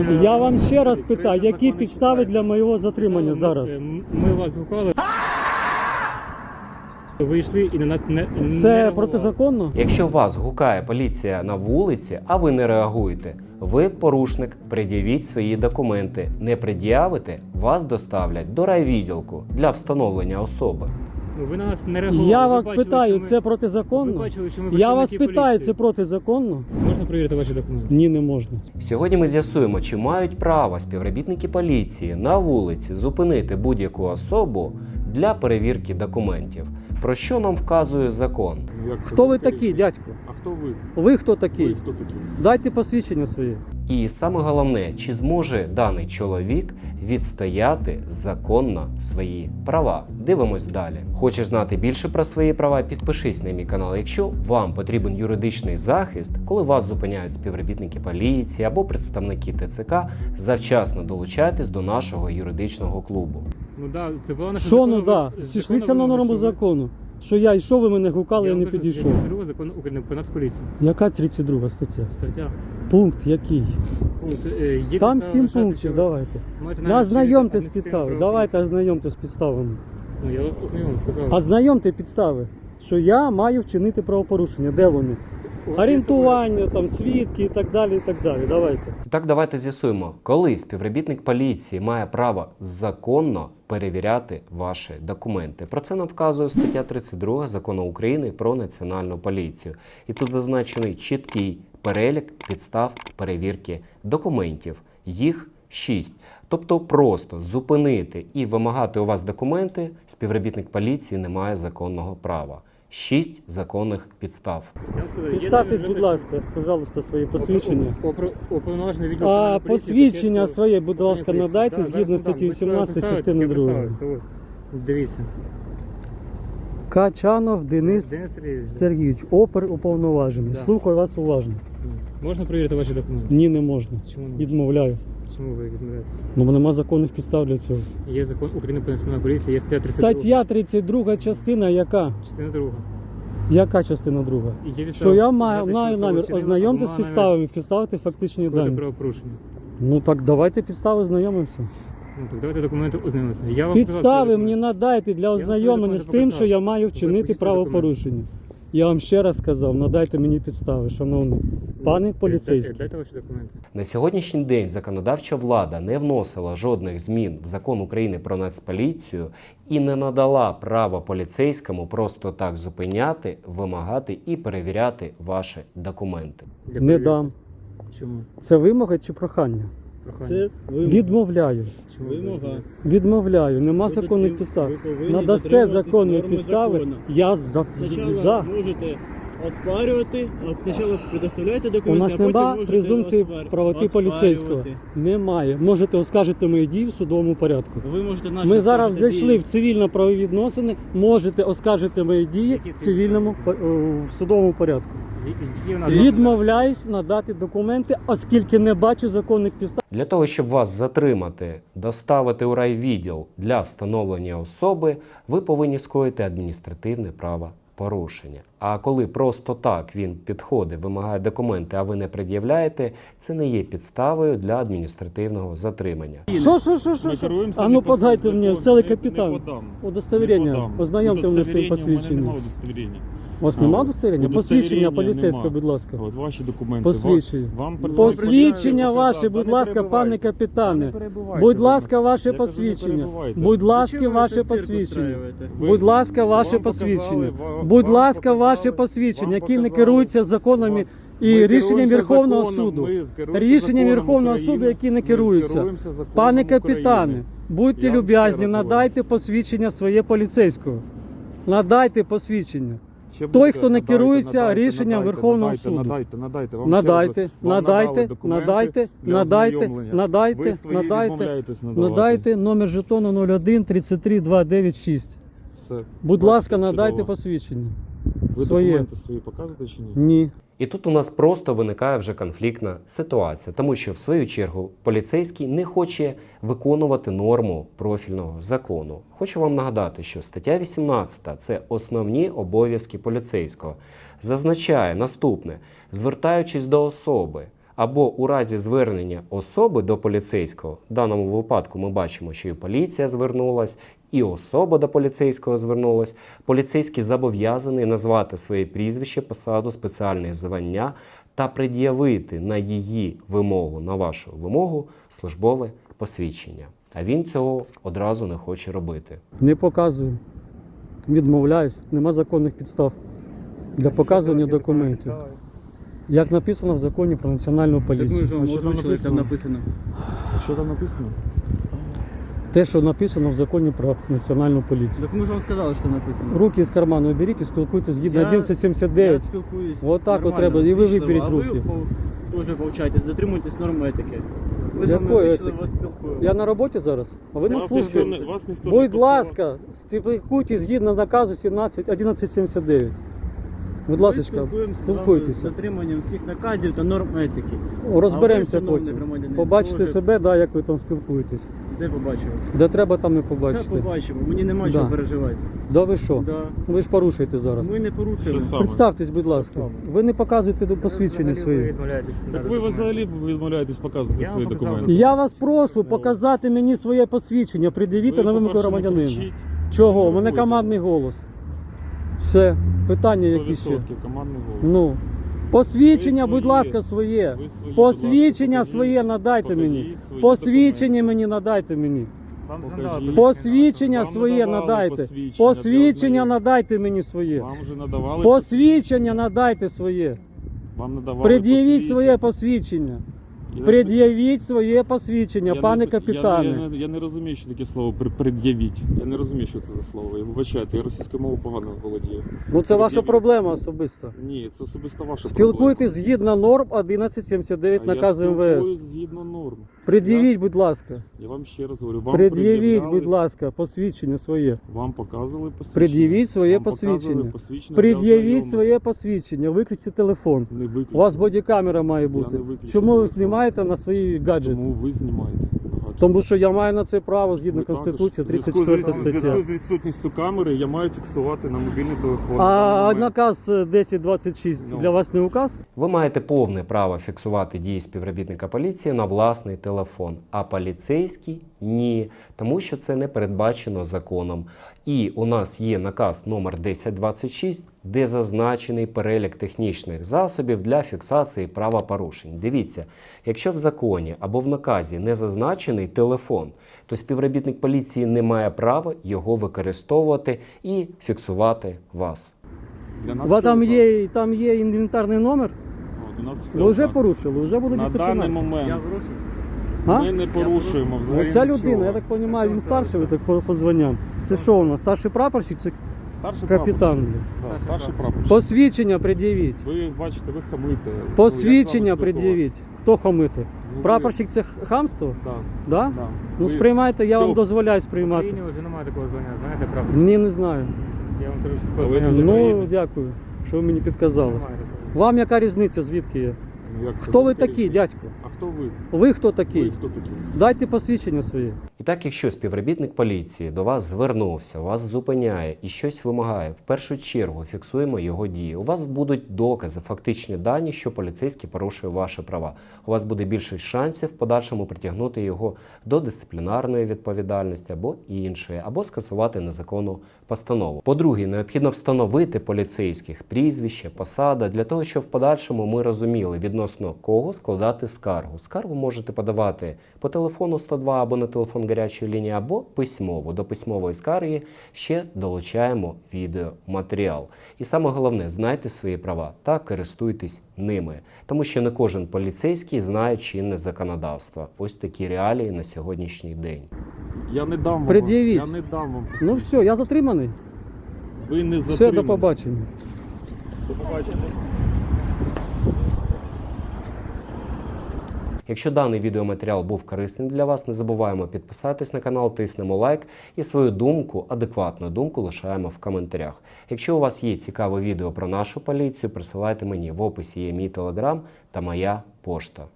Я вам ще раз питаю, які підстави для моєго затримання зараз? Ми вас гукали. Ви йшли і на нас не Це реагували. протизаконно? Якщо вас гукає поліція на вулиці, а ви не реагуєте, ви порушник, пред'явіть свої документи. Не пред'явите, вас доставлять до райвідділку для встановлення особи. Ви на нас не реагували. Я Ви вас бачили, питаю, що ми- це протизаконно? Ви бачили, що ми Я вас працівники питаю, поліції. це протизаконно? Можна перевірити ваші документи? Ні, не можна. Сьогодні ми з'ясуємо, чи мають право співробітники поліції на вулиці зупинити будь-яку особу для перевірки документів. Про що нам вказує закон? Хто ви такий, дядько? А хто ви? Ви хто такий? Ви хто такі? Дайте посвідчення своє. І саме головне, чи зможе даний чоловік відстояти законно свої права. Дивимось далі. Хочеш знати більше про свої права? Підпишись на мій канал. Якщо вам потрібен юридичний захист, коли вас зупиняють співробітники поліції або представники ТЦК, завчасно долучайтесь до нашого юридичного клубу. Ну да, це була наша Що, ну да, зійшлися на норму закону. Що я йшов, ви мене гукали, я не підійшов. Закон України про Нацполіцію. Яка 32 стаття? Стаття. Пункт який? Є Там підстава 7 вважати, що пунктів, ви давайте. маєте намір Ознайомте з вчинити підставами. адміністративне Давайте ознайомте з підставами. правопорушення. Ну, я вас ознайомив, сказав. Ознайомте підстави, що я маю вчинити правопорушення. Де вони? Орієнтування, там, свідки і так далі, і так далі. Давайте. І так, давайте з'ясуємо, коли співробітник поліції має право законно перевіряти ваші документи. Про це нам вказує стаття 32 Закону України про Національну поліцію. І тут зазначений чіткий перелік підстав перевірки документів. Їх 6. Тобто просто зупинити і вимагати у вас документи співробітник поліції не має законного права. 6 законних підстав. Я вам сказав, є Підставтесь, намір будь ласка, пожалуйста, свої посвідчення. Уповноважений відділ А Національної поліції посвідчення Печерського своє, будь ласка, поліції. надайте Да, згідно зараз статті надам. 18 Ви частини я 2. представився, от. Дивіться. Качанов Денис Денис Сергійович. Сергійович, опер уповноважений. Да. Слухаю вас уважно. Можна перевірити ваші документи? Ні, не можна. Чому ні? Відмовляю. Чому ви відмовляєтеся? Бо нема законних підстав для цього. Є закон України про Національну поліцію, є стаття 32. Стаття 32 частина яка? Частина 2. Яка частина друга? І є Що підстава я вважати, маю що намір особа ознайомити з вчинила підставами, підставити фактичні скоїти дані. правопорушення. Ну так давайте підстави знайомимося. Ну так давайте документи ознайомимося. Я вам Підстави показав свої мені документи. надайте для ознайомлення з тим, що я маю вчинити покажіть правопорушення. Я вам ще раз сказав, надайте мені підстави, шановний пане поліцейський. Дайте ваші документи. На сьогоднішній день законодавча влада не вносила жодних змін в Закон України про Нацполіцію і не надала права поліцейському просто так зупиняти, вимагати і перевіряти ваші документи. Для Не перевірки. дам. Чому? Це вимога чи прохання? Прохання. Відмовляю. Чому Вимога. Відмовляю. Нема Ви законних потріб- підстав. ви повинні Надасте дотримуватись законні норми підстави. закону. Я Спочатку да. можете оспарювати, а спочатку предоставляйте У документи, нас а потім нема можете презумпції правоти поліцейського. оспарювати. Немає. Можете оскаржити мої дії в судовому порядку. Ви можете наші Ми зараз оскаржити зайшли дії. в цивільно-правові відносини. Можете оскаржити мої дії Які в цивільному в судовому порядку. Які у нас Відмовляюсь надати документи, оскільки не бачу законних підстав. Для того, щоб вас затримати, доставити у райвідділ для встановлення особи, ви повинні скоїти адміністративне правопорушення. А коли просто так він підходить, вимагає документи, а ви не пред'являєте, це не є підставою для адміністративного затримання. Що? Ми керуємося А ну не по подайте закону, мені, целий не капітан. подам. Удостоверення. Не подам. Ознайомте мене своїм Удостоверення, посвідченням. У мене немає удостоверення. У вас немає А, удостоверення? удостоверення Посвідчення поліцейського, нема. будь ласка. От ваші документи. Посвідчення. Вам Посвідчення ваше, будь не ласка, пане перебивайте. капітане. Не перебивайте Будь мене. ласка, ваше Я кажу, не посвідчення. перебивайте. Будь ласка, Чого ви ваше цирк посвідчення. устраюєте? Будь ласка, ваше Вам посвідчення. показали, Будь вам ласка, ваше показали, посвідчення, вам які не показали. керуються законами Ми і рішенням керуємося Верховного законом, суду. ми керуємося Рішенням законом Верховного України, суду, які не ми керуються. керуємося законом Пане капітане, України. будьте Я вам ще люб'язні, раз надайте посвідчення своє поліцейського. Надайте посвідчення. Ще Той, будете, хто не надайте, керується надайте, рішенням надайте, Верховного надайте, суду. Надайте. Вам Надайте, ще раз- вам надайте, надали документи надайте, для надайте, ознайомлення. надайте, Ви свої надайте, відмовляєтесь надавати. надайте номер жетону 01 33 296. Все. Будь Бачите, ласка, надайте чудово. посвідчення. Ви своє. документи свої показуєте чи ні? Ні. І тут у нас просто виникає вже конфліктна ситуація, тому що в свою чергу поліцейський не хоче виконувати норму профільного закону. Хочу вам нагадати, що стаття 18 – це основні обов'язки поліцейського. Зазначає наступне: звертаючись до особи або у разі звернення особи до поліцейського, в даному випадку ми бачимо, що і поліція звернулась, і особа до поліцейського звернулась, поліцейський зобов'язаний назвати своє прізвище, посаду, спеціальне звання та пред'явити на її вимогу, на вашу вимогу, службове посвідчення. А він цього одразу не хоче робити. Не показую. Відмовляюсь. Нема законних підстав для показування документів. Як написано в законі про національну Так ми поліцію. ж вам що там озвучили, там написано. Що там написано? Те, що написано в законі про національну поліцію. Так ми ж вам сказали, що там написано. Руки з карману оберіть і спілкуйтесь згідно Я 1179. спілкуюсь. Вот так от нормально, треба, і ви ввічливо, виберіть а руки. Ви теж повчайтесь, дотримуйтесь норм етики. Ви з Якої вами вийшли, етики? вас спілкуємося. Я на роботі зараз, а ви на Вас службі. вас ніхто не Будь посилав. ласка, спілкуйтесь згідно наказу 1179. Будь Ми ласка, спілкуємося з вами з спілкуйтеся. дотриманням всіх наказів та норм етики. Розберемося А ви, шановний потім. громадянин, Побачите теж- себе, да, як ви там спілкуєтесь. Де побачимо? Де треба, там і Це побачите. побачимо, мені нема Да. чого переживати. Да ви що? Да. Ви ж порушуєте зараз. Ми не порушуємо. Що саме? Представтесь, будь ласка. Ви не показуєте посвідчення Ви свої. відмовляєтесь Так на ви документи. взагалі відмовляєтесь показувати Я вам свої показав документи. Я вас прошу показати мені своє посвідчення, пред'явіте на вимогу по-перше, не громадянина. кричіть. Чого? У мене Нервуйте. командний голос. Все, питання 100% які ще? командний голос. Ну. Посвідчення, Ви будь свої- ласка, своє. Ви свої, Посвідчення будь ласка, своє покажіть- надайте покажіть мені. свої Посвідчення документи. мені надайте мені. Вам Покажіть. надали Посвідчення Вам своє надавали надайте. посвідчення Посвідчення для надайте мені своє. Вам вже надавали Посвідчення надайте своє. Вам надавали Пред'явіть своє посвідчення. Я- Пред'явіть своє посвідчення, я пане не- капітане. Я не розумію, що таке слово пред'явіть. Я не розумію, що це за слово. Я вибачайте, я російською мовою погано володію. Ну це ваша Пред'явіть. проблема особиста. Ні, це особисто ваша Спілкуйтесь згідно норм 1179 проблема. наказу Я МВС. спілкуюсь згідно норм. Пред'явіть, будь ласка. Я вам ще раз говорю, вам Пред'явіть, пред'являли, будь ласка, посвідчення своє. Вам показували посвідчення. Пред'явіть своє Вам показували посвідчення. посвідчення для Пред'явіть ознайомлення. своє посвідчення, виключіть телефон. Не виключно. У вас бодікамера має бути. не виключу Чому ви телефон. знімаєте на свої гаджети? Тому ви знімаєте. Ага, Тому що я маю на це право згідно ви також. Конституції, В зв'язку 34 з- В зв'язку стаття. з відсутністю камери я маю фіксувати на мобільний телефон. А В даний момент. наказ 1026 Ну. для вас не указ? Ви маєте повне право фіксувати дії співробітника поліції на власний телефон, а поліцейський – ні, тому що це не передбачено законом. І у нас є наказ номер 1026, де зазначений перелік технічних засобів для фіксації правопорушень. Дивіться, якщо в законі або в наказі не зазначений телефон, то співробітник поліції не має права його використовувати і фіксувати вас. Для У нас вас все указано. там є інвентарний номер? От, у нас все Ви вже указано. порушили, вже буде На даний дисциплінарний. момент Я вирушу. А? ми не порушуємо взагалі Оця нічого. людина, я так розумію, він старший, ви так по званням. Це що у нас, старший прапорщик, це Старший капітан? прапорщик. Так, старший прапорщик. Посвідчення пред'явіть. Ви бачите, ви хамите. Посвідчення пред'явіть. Хто хамити? Ну, Прапорщик це хамство? Так, Да? так. Ну сприймайте, я вам дозволяю В сприймати. Україні вже немає такого звання, знаєте, правда? Ні, не знаю. Я вам кажу, що А такого ви звання не в з Ну, України? дякую, що ви мені підказали. немає такого. Вам яка різниця, звідки є? Ну, як це? Хто ви Велика такі, різниця. дядько? А хто ви? Ви хто Ви такий? хто такі? Дайте посвідчення своє. І так, якщо співробітник поліції до вас звернувся, вас зупиняє і щось вимагає, в першу чергу фіксуємо його дії. У вас будуть докази, фактичні дані, що поліцейський порушує ваші права. У вас буде більше шансів в подальшому притягнути його до дисциплінарної відповідальності або іншої, або скасувати незаконну постанову. По-друге, необхідно встановити поліцейських прізвище, посада, для того, щоб в подальшому ми розуміли, відносно кого складати скаргу. Скаргу можете подавати по телефону 102 або на телефон гарячої лінії, або письмово. До письмової скарги ще долучаємо відеоматеріал. І саме головне, знайте свої права та користуйтесь ними. Тому що не кожен поліцейський знає чинне законодавство. Ось такі реалії на сьогоднішній день. Я не дам вам. Пред'явіть. Я не дам вам. Ну все, я затриманий. Ви не Все, затримані. до побачення. До побачення. Якщо даний відеоматеріал був корисним для вас, не забуваємо підписатись на канал, тиснемо лайк і свою думку, адекватну думку лишаємо в коментарях. Якщо у вас є цікаве відео про нашу поліцію, присилайте мені. В описі є мій телеграм та моя пошта.